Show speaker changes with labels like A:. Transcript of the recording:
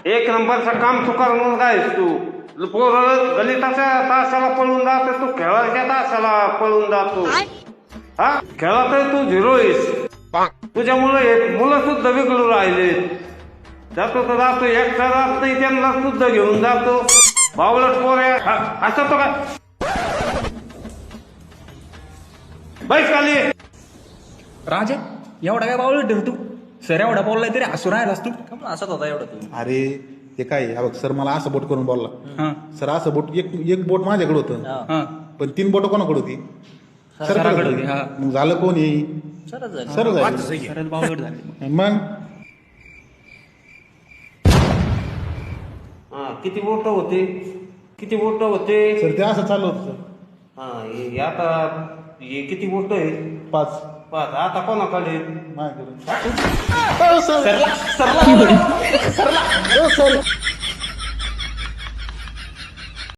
A: एक नंबरचं काम चुकार म्हणून काय तू पोरं गणिताच्या तासाला पळून जातो, तू खेळाच्या तासाला पळून जातो. हा खेळात तू झिरो आहेस. तुझ्यामुळे मुलं सुद्धा बिघडून राहिले. जातो तर जातो, एकटा जात नाही, त्यांना सुद्धा घेऊन जातो. बावलट पोर असं तो काय बैस खाली.
B: राजे एवढा काय बावळ ठेव तू सर एवढा बोललाय तरी हसून राहिलास तू
C: असत होता एवढं तू.
D: अरे ते काय हा बघ सर मला असं बोट करून बोलला.
B: हा
D: सर असं बोट एक बोट माझ्याकडे होतं,
B: हा
D: पण 3 बोट कोणाकडे होती?
B: सराकडे होती, हा.
D: मग झालं कोण येईल?
C: सरच झालं.
D: सर झालं.
B: सरच बावळट झाले.
D: मग
A: हा किती बोट होते, किती बोट होते?
D: सर ते असं चालू होतं सर.
A: हा हे आता हे किती बोट आहे?
D: 5
A: पाच. आता कोणाकडे?
D: माझ्याकडे.